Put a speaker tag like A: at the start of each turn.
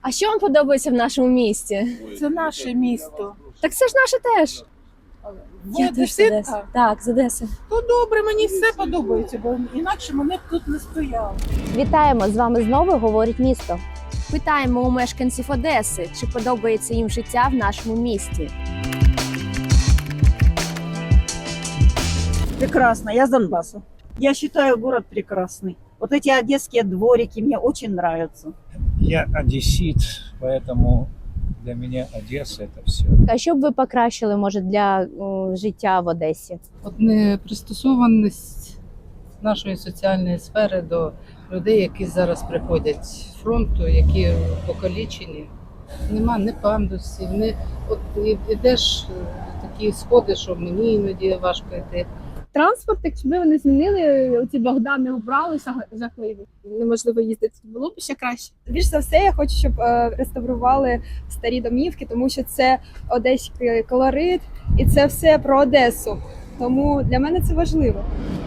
A: А що вам подобається в нашому місті?
B: Це наше місто.
A: Так це ж наше теж. Я теж з Одеси. Так, з Одеси.
B: То добре, мені все подобається, бо інакше мене б тут не стояло.
C: Вітаємо! З вами знову говорить місто.
A: Питаємо у мешканців Одеси, чи подобається їм життя в нашому місті.
D: Прекрасно, я с Донбасса. Я считаю город прекрасный. Вот эти одесские дворики мне очень нравятся.
E: Я одессит, поэтому для меня Одесса – это все.
C: А що б ви покращили, може, для життя в Одесі?
F: От непристосованість нашої соціальної сфери до людей, які зараз приходять з фронту, які покалічені. Нема ні пандусів, ні от ідеш такі сходи, що мені іноді важко йти.
G: Транспорт, якби вони змінили, оці Богдани убрали жахливі. Неможливо їздити, було б ще краще.
H: Більш за все, я хочу, щоб реставрували старі домівки, тому що це одеський колорит і це все про Одесу. Тому для мене це важливо.